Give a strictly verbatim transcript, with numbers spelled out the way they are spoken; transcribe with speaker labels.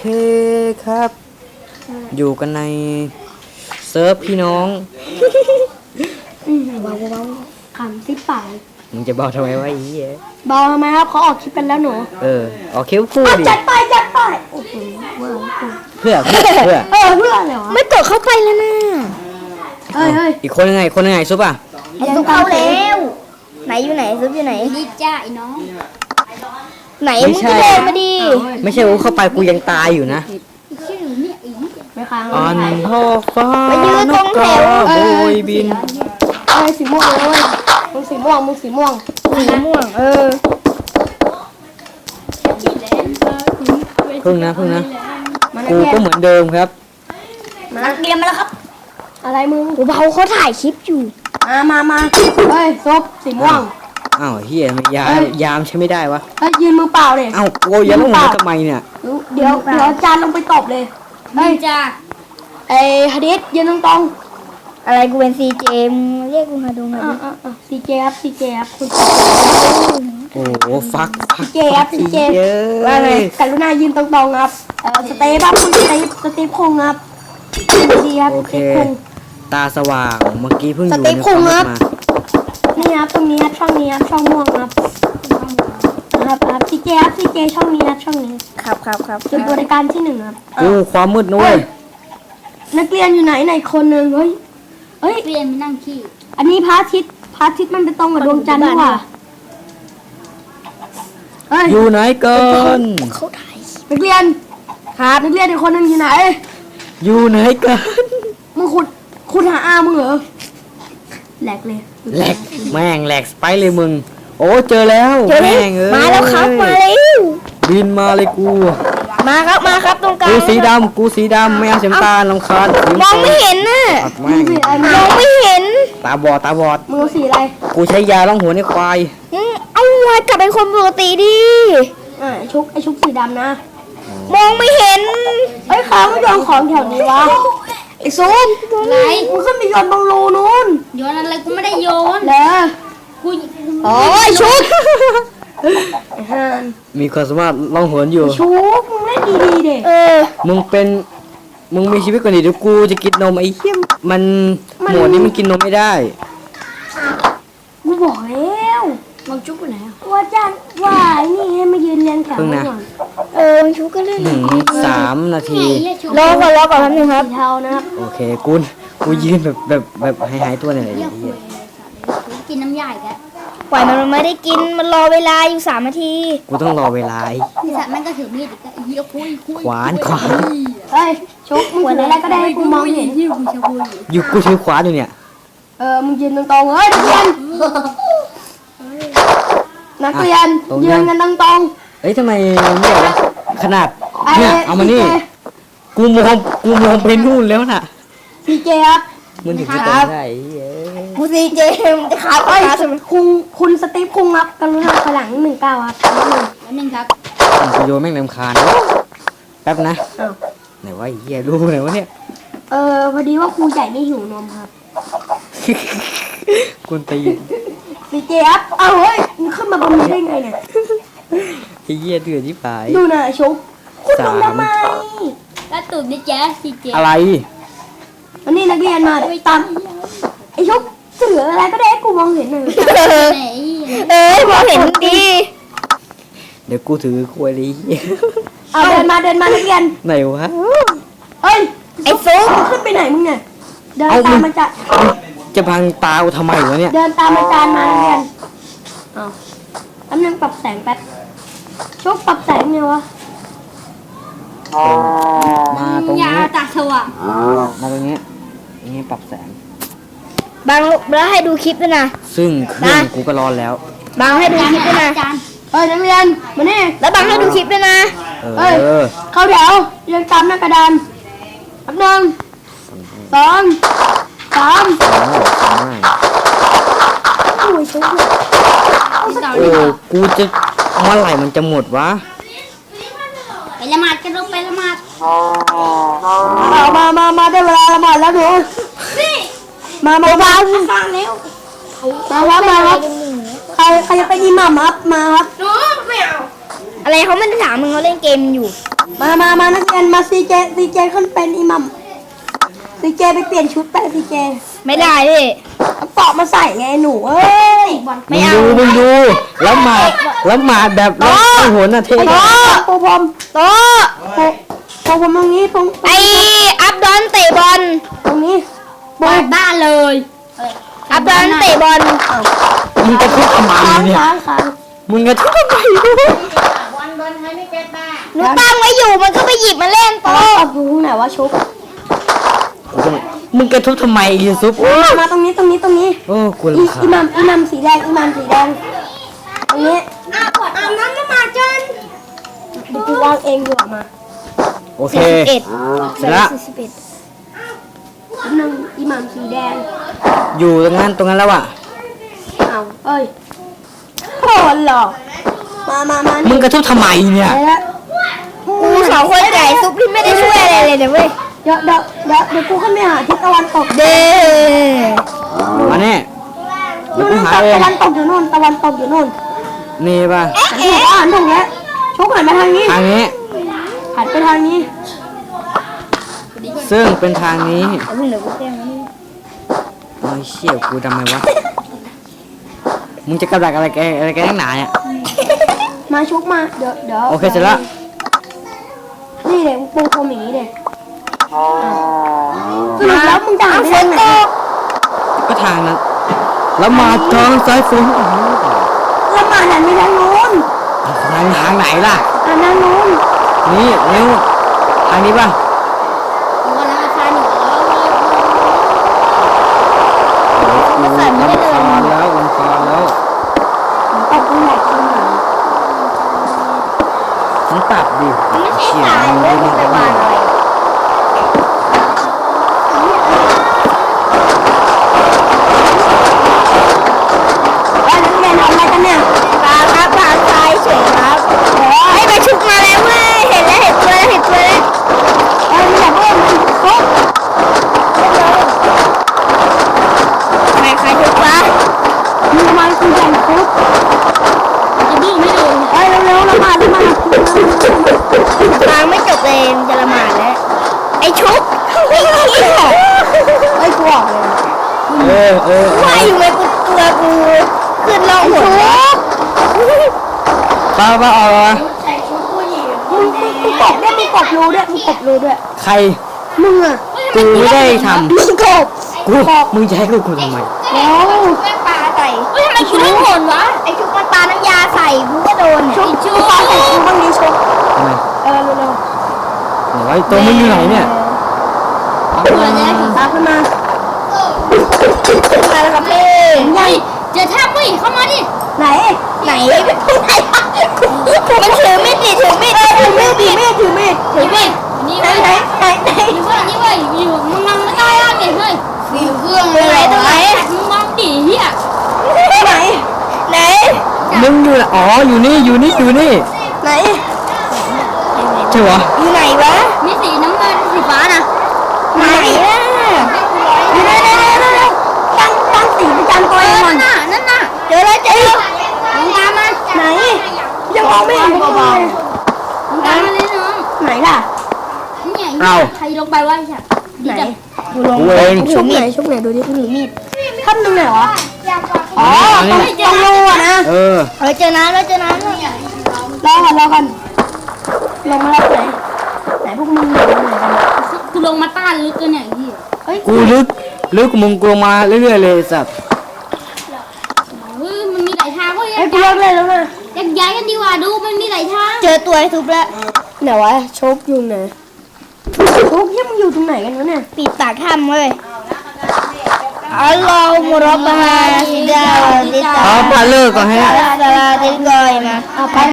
Speaker 1: ครับอยู่กันในเซิร์ฟพี่น้อง
Speaker 2: เบาเบาขำซิปปาก
Speaker 1: มึงจะบอกทำไมวะไอ้เหี้ย
Speaker 2: เบาทำไมครับเขาออกคลิปกันแล้วหนู
Speaker 1: เออออกคลิปพูดดิ
Speaker 2: จัดไปจัดไปโอ้โห
Speaker 1: เพื่อเพื่อเพื่อ
Speaker 2: เออเพื่ออะไรวะไม่กดเข้าไปแล้วนะเฮ้ยเฮ้ย
Speaker 1: อีกคนยังไงคนยังไงซุปอ่ะ
Speaker 2: ซุปเข้าแล้วไหนอยู่ไหนซุปอยู่ไหน
Speaker 3: นี่จ้าไอ้น้อง
Speaker 2: ไหนมึงจะเดินมาดิ
Speaker 1: ไม่ใช่ว่าเข้าไปกูยังตายอยู่นะ
Speaker 3: ชื่อเนี่ยอี
Speaker 2: ไม่ค้าง
Speaker 1: อันพ่อฟ้า
Speaker 2: ไปยืนตรงแถว
Speaker 1: โบยบิน
Speaker 2: เอ้ยสีม่วงเลยมึงสีม่วงมึงสีม่วงสีม่วงเออ
Speaker 1: พึ่งนะพึ่งนะกูก็เหมือนเดิมครับ
Speaker 2: มาเตรียมมาแล้วครับอะไรมึงเบาเขาถ่ายคลิปอยู่มามามาเฮ้ยซบสีม่วง
Speaker 1: อ้าวเฮียมันยามยามใช้ไม่ได้วะ
Speaker 2: เฮ้ยยืนมือเปล่าเลย
Speaker 1: อ้าวโอ้ยยันลงมาทำไมเนี่ย
Speaker 2: เดี๋ยวเดี๋ยวจานลงไปตบเลย
Speaker 3: เฮ้ยจ้า
Speaker 2: ไอ้ฮาดิสยืนตรงตรง
Speaker 4: อะไรกูเป็นซีเจมเรียกกูมาดูหน่อยดิ
Speaker 2: ซีเจครับซีเจครับคุณ
Speaker 1: โอ้โหฟัก
Speaker 2: ซีเจครับซีเจว่าไงกรุณายืนตรงตรงครับเออสเตปครับคุณสเตปสเตปคงครับดีครับ
Speaker 1: โอเคตาสว่างเมื่อกี้เพิ่งอยู่
Speaker 2: ในความมืดมานี่ครับตรงนี้ครับช่องนี้ครับช่องม่วงครับครับครับซีเจครับซีเจช่องนี้ครับช่องนี้
Speaker 4: ครับครับครับ
Speaker 2: จุดบริการที่หนึ่งครับ
Speaker 1: โอ้ความมืดนุ้ย
Speaker 2: นักเรียนอยู่ไหนไหนคนหนึ่งเฮ้ยเฮ้ย
Speaker 3: เรียนไม่นั่งขี้
Speaker 2: อันนี้พระอาทิตย์พระอาทิตย์มันไปตรงกับดวงจันทร์นี่หว่า
Speaker 1: อยู่ไหนกัน
Speaker 2: เขาถ่ายนักเรียนครับนักเรียนอีกคนหนึ่งอยู่ไหน
Speaker 1: อยู่ไหนกัน
Speaker 2: มึงขุดขุดหาอามึงเหรอแหลกเลย
Speaker 1: แหลกแม่งแหลกสไปเลยมึงโอ้เจอแล้วแม่งเอ้ย
Speaker 2: มาแล้วครับมาแล้ว
Speaker 1: บินมาเลยกู
Speaker 2: มาครับมาครับตรงกลาง
Speaker 1: กูสีดำกูสีดำไม่เอาสีตาลำคาญ
Speaker 2: มองไม่เห็นน่ะมองไม่เห็น
Speaker 1: ตาบอดตาบอด
Speaker 2: มึงสีอะไร
Speaker 1: กูใช้ยาล่องหัวในควาย
Speaker 2: เอาไว้กลับเป็นคนปกติดิอ่าชุกไอชุกสีดำนะมองไม่เห็นไอ้ข้าไม่โยนของแถวนี้วะไอ้ซูม
Speaker 3: ไหน
Speaker 2: มึงขึ้นไปโยนตรงรูนู้น
Speaker 3: โยนอะไรกูไม่ได้โยน
Speaker 2: เลย
Speaker 3: กู
Speaker 2: โอ้ยชุก
Speaker 1: มีความสามารถล่องหนอยู่
Speaker 2: ชุกมึงเล่นดีๆเด็เออ
Speaker 1: มึงเป็นมึงมีชีวิตกว่านี้เดี๋ยวกูจะกินนมไอ้เหี้ยมันหมวดนี้มันกินนมไม่ได้
Speaker 2: กูบอกแล้ว
Speaker 3: มึงชุกไปไหน
Speaker 2: ว่าจ้างว่านี่ให้มายืนเรียงแถวก่อนเออชุกก็เล่น
Speaker 1: สามนาที
Speaker 2: รอก่อนรอก่อนแป๊บนึงครับเท่านะครับ
Speaker 1: โอเคกูกูยืนแบบแบบแบบหายหายตัวเนี่ยไอ้เหี้ย
Speaker 3: กินน้ำใหญ่แก
Speaker 4: ปล่อยมันไม่ได้กินมันรอเวลาอยู่สามนาที
Speaker 1: กูต้องรอเวลาไ
Speaker 3: อ้สัตว์มันก็ถือมีดอีกเหี้ยคุยคุย
Speaker 1: ขวานขวาน
Speaker 2: เฮ้ยชุกมึงถืออะไรก็ได้ให้กูมองเห็น
Speaker 3: ที่กูจะคุย
Speaker 1: อยู่กูถือขวานอยู่เนี่ย
Speaker 2: เออมึงยืนตรงๆเฮ้ยนักเรียนนักเรียนยืนกันตรง
Speaker 1: ๆเอ้ยทำไมไม่เอาขนาดเนี่ยเอามานี่กูมองกูมองไปนู่นแล้วน่ะ
Speaker 2: ซีเจครับ
Speaker 1: มึงถึงจะเป็นได้
Speaker 2: กูซีเจมึงจะขาดไอ้คุณคุณสตีฟคุงครับกรุณาพลังหนึ่งเก้าครับ
Speaker 3: หนึ่งครับ
Speaker 1: กูโยนแม่งรำคาญแป๊บนะไหนว่าเหี้ยรู้ไหนวะเนี่ย
Speaker 2: เออพอดีว่าครูใหญ่ไม่หิวนมครับ
Speaker 1: คุณตี
Speaker 2: ซีเจครับเอาเฮ้ยมึงขึ้นมาบนนี้ได้ไงเนี่ย
Speaker 1: ไอ้เหี้ยเดือดที่ปลาย
Speaker 2: ดูนะชุกคุณทำทำไม
Speaker 3: แล้วตุ่มนี่แจ๊สซีเจ
Speaker 1: อะไร
Speaker 2: วันนี้นักเรียนมาตามไอ้ชุกเสืออะไรก็ได้กูมองเห็นเลย
Speaker 4: เอ้ยมองเห็นดี
Speaker 1: เดี๋ยวกูถือควยเลย
Speaker 2: เอาเดินมาเดินมานักเรียน
Speaker 1: ไหนวะ
Speaker 2: เฮ้ยไอ้ซุกขึ้นไปไหนมึงเนี่ยเดินตามมาจะ
Speaker 1: จะพังตาทำไมวะเนี่ย
Speaker 2: เดินตามอาจารย์มานักเรียนเอาแป๊บนึงปรับแสงแป๊บชุกปรับแสงเนี่ยวะ
Speaker 1: มาตรงนี้
Speaker 3: ยาตาสว่าง
Speaker 1: มาตรงนี้ตรงนี้ปรับแสง
Speaker 4: บางแล้วให้ดูคลิปด้วยนะ
Speaker 1: ซึ่งเครื่องกูก็ร้อนแล้ว
Speaker 4: บางให้ดูคลิปด้วยนะ
Speaker 2: เฮ้ยนักเรียนมานี่
Speaker 4: แล้วบางให้ดูคลิปด้วยนะ
Speaker 2: เฮ้ยเข้าแถวเรียงตามหน้ากระดานแป๊บนึงสองสามโอ้ยชุก
Speaker 1: โอ้กูจะเมื่อไหร่มันจะหมดวะ
Speaker 3: ไปละหมาดกันลงไปละหมาด
Speaker 2: มามามาได้เวลาละหมาดแล้วหนูมามามาฟังแล้วมาครับมาครับใครใครจะไปดีมามามาครับ
Speaker 4: อะไรเขาไม่ได้ถามมึงเขาเล่นเกมอยู่
Speaker 2: มามามานักเรียนมาซีเจซีเจขึ้นเป็นอิหมัมซีเจไปเปลี่ยนชุดไปซีเจ
Speaker 4: ไม่ได้พี่
Speaker 2: เอาเกาะมาใส่ไงหนูเอ้ย
Speaker 1: มึงดูมึงดูแล้วมาแล้วมาแบบแล้วไอ้หัวน่ะเท่
Speaker 2: โต๊ะปูพรม
Speaker 4: โต๊ะ
Speaker 2: ปูปูพรมตรงนี้ตรง
Speaker 4: ไออัพดอนเตะบอล
Speaker 2: ตรงนี้
Speaker 3: เปิดบ้านเลย
Speaker 4: อัพดอนเตะบอล
Speaker 1: มึงกระทุบทำไม
Speaker 2: ค้าง
Speaker 1: เนี่ย
Speaker 2: ค้างค้าง
Speaker 1: มึงกระทุบทำไม
Speaker 4: หนูตั้งไว้อยู่มันก็ไปหยิบมาเล่น
Speaker 2: โต๊
Speaker 4: โต๊ะ
Speaker 2: ะอยู่ตรงไหนวะชุบ
Speaker 1: มึงกระทุบทำไมยูซุป
Speaker 2: มามาตรงนี้ตรงนี้ตรงนี้
Speaker 1: โอ้กู
Speaker 2: อี
Speaker 1: รำคา
Speaker 2: อิ
Speaker 1: ญ
Speaker 2: หมัมอิหมัมสีแดงอิหมัมสีแดงตรงนี้อาบอาบน้ำละหมาดจนเดี๋ยวกูวางเองดีกว่ามา
Speaker 1: โอเค
Speaker 4: เอ็ด
Speaker 1: เสร็จละ
Speaker 4: สี่สิบเอ็ด
Speaker 2: อันหนึ่งอิหมัมสีแดง
Speaker 1: อยู่ตรงนั้นตรงนั้นแล้วอ่ะ
Speaker 2: เอาเอ้ยโหดหรอกมามามา
Speaker 1: มึงกระทุบทำไมเนี่ย
Speaker 2: ไปแล้ว
Speaker 4: กูสองคนใหญ่ซุปที่ไม่ได้ช่วยอะไรเลยนะเว้ย
Speaker 2: เดี๋ยวเดี๋ยวเดี๋ยวเดี๋ยวกูขึ้นไปหาทิศตะวันตก
Speaker 4: เด้
Speaker 1: มาเนี่ยเดี๋ยว
Speaker 2: นู่น
Speaker 1: กู
Speaker 2: นู่น
Speaker 1: หาเอ
Speaker 2: ตะ
Speaker 1: ง
Speaker 2: วันตกอยู่นู่นตะวันตกอยู่นู่น
Speaker 1: นี่ป่ะ
Speaker 2: หันถูกอ่านถูกแล้วชุกหันไปทางนี้
Speaker 1: ทางนี้
Speaker 2: หันไปทางนี้
Speaker 1: ซึ่งเป็นทางนี้
Speaker 4: เอาพึ่งเดี๋ยวกูแจ้งมัน
Speaker 1: โอ้ยเชี่ยกูทำไมวะ มึงจะกำลังอะไรแกอะไรแกนักหนาเนี่ย
Speaker 2: มาชุกมาเดี๋ยวเดี๋ยว
Speaker 1: โอเคเสร็จแล้ว
Speaker 2: นี่เด็กปูพรมอย่างนี้เด็กสรุปแล้วมึงจะหันไปทางไหน
Speaker 1: ก็ทางนั้น แล้วมาทางซ้ายฝน
Speaker 2: แล้วมาหันไปทางนู้น
Speaker 1: ทางทางไหนล่ะ
Speaker 2: หันทางนู้น
Speaker 1: นี่เร็วทางนี้ป่ะ
Speaker 3: กูกำลังคานอยู่
Speaker 1: ลำคาญแล้วลำคาญแล้ว
Speaker 2: ตกตรงไหนตรงไหน
Speaker 1: มึงปรับดิ
Speaker 4: มันไม่ใช่
Speaker 1: เชี่ย
Speaker 4: สาย
Speaker 1: มึง
Speaker 4: เว้
Speaker 1: ไม่
Speaker 4: ย
Speaker 1: ได้
Speaker 4: มันไปวางอะไร
Speaker 2: เอ้ยนักเรียนทำอะไรกันเนี่ย
Speaker 4: ปลาครับปลาทรายเฉยครับไอ้ยไปชุบมาแล้วเว้ยเห็นแล้วเห็นตัวแล้วเห็นตัวแล้ว
Speaker 2: เอ้ยไม่อยากเล่นมันโอ๊ะ
Speaker 4: ใครใครชุบวะ
Speaker 2: มึงทำไมคุณแข่งคุก
Speaker 3: จะดื้อไม่ดู
Speaker 2: เอ้ยเร็วๆละหมาดละหมาด
Speaker 4: ฟังไม่จบเลยมันจะละหมาดแล้วไอ้ชุบไอ้เหี้ย
Speaker 2: เอ้ยกูออกเลย
Speaker 1: เออเออ
Speaker 4: ว่าอยู่ไหมกูตัวกูขึ้นล่องหนแล้ว
Speaker 1: ป้าป้าเอาวะ
Speaker 2: มึงมึงมึงกบด้วยมึงกบรูด้วยมึงกบรูด้วย
Speaker 1: ใคร
Speaker 2: มึงอะ
Speaker 1: กูไม่ได้ท
Speaker 2: มึงกบ
Speaker 1: ำกูมึงจะให้กูกูทำไม
Speaker 2: แล้ว
Speaker 4: แม่ปลาใส่
Speaker 3: เฮ้ยทำไมกูต้องโหนวะ
Speaker 4: ไอ้ชุบมันปลาน้ำยาใส่กูก็โดนเนี่ย
Speaker 2: ชุบชุบปลาใส่กูบ้างนี้ชุบ
Speaker 1: ทำไม
Speaker 2: เออเร็ว
Speaker 1: ไหนวะตัวมึงอยู่ไหนเนี่ย
Speaker 3: เผื่อจะได้ถึง
Speaker 2: ๆตามขึ้นมา
Speaker 4: มาแล้วครับพี่
Speaker 3: เฮ้ยเจอท่าปุ้ยเข้ามาดิ
Speaker 2: ไหน
Speaker 4: ไหนเป็นผู้ไหนมันถือมีดดิถือมีด
Speaker 2: ถือมีดถือมีดถือมีด
Speaker 3: ถือมีดนี่
Speaker 2: ไหน
Speaker 3: เว้ย
Speaker 2: ไหนไหนไหน
Speaker 3: นี่เว้ยนี่เว้ยอยู่มึงมองไม่ได้อ่ะเนี่ยเฮ้ย
Speaker 4: อยู่เครื่องเลยตรงไหน
Speaker 3: มึงมองดิเฮีย
Speaker 2: ไหน
Speaker 4: ไหน
Speaker 1: มึงอยู่ไหนอ๋ออยู่นี่อยู่นี่อยู่นี่
Speaker 2: ไหน
Speaker 1: ใช่เหรอ
Speaker 4: อยู่ไหนวะ
Speaker 3: มีสีน้ำเงินสีฟ้านะ
Speaker 4: ไหนล่ะ
Speaker 2: อยู่ไหนไหนไหนไหนไหนตั้งตั้งสีประจำตัว
Speaker 3: เอ
Speaker 2: เอง
Speaker 3: อ
Speaker 2: ก่อน
Speaker 3: นั่นน่ะนั่นน่ะ
Speaker 4: เจอแล้วเจอแล้ว
Speaker 3: มึงตามมา
Speaker 2: ไหนยังมองไม่เห็นพวกมึงเลย
Speaker 3: มึงตามมาเลยน้อง
Speaker 2: ไหนล่ะ
Speaker 3: เนี่ยใครลงไปวะไอ้สัตว์ดีจัง
Speaker 4: กูลง
Speaker 1: กูเอง
Speaker 2: ชุบไหนชุบไหนดูดิ
Speaker 4: ถือมีด
Speaker 2: ท่านหนึ่งไหนวะอ๋อ
Speaker 1: อัน
Speaker 2: ตรง
Speaker 1: นี้
Speaker 2: ตรงรูอะนะ
Speaker 1: เออ
Speaker 4: เฮ้ยเจอน้ำแล้วเจอน้ำแล้ว
Speaker 2: รอก่อนรอก่อนลงมาแล้วไหนไหนพวกมึงอยู่ไหนกัน
Speaker 3: กูลงมาต้านลึกกันเนี่ยไอ้เหี้ย
Speaker 2: เฮ้ย
Speaker 1: กูลึกลึกมึงกูลงมาเรื่อยๆเลยสัตว์
Speaker 3: เฮ้ยมันมีหลายทางเว้ย
Speaker 2: ไอ้ยกูเลิกเล่นแล้วนะ
Speaker 3: แยกย้ายกันดีกว่าดูมันมีหลายทาง
Speaker 4: เจอตัวไอ้ทุบแล้ว
Speaker 2: ไหนวะชุบอยู่ไหนชุบยังมึงอยู่ตรงไหนกันวะเนี่ย
Speaker 4: ปิดปากถ้ำเว้ยอัลลอฮฺมุรับบะฮาซิดาติตา
Speaker 1: เอาปลาเลิกก่อนให้
Speaker 4: อัลลอฮฺติดกอยมา
Speaker 2: เอาไป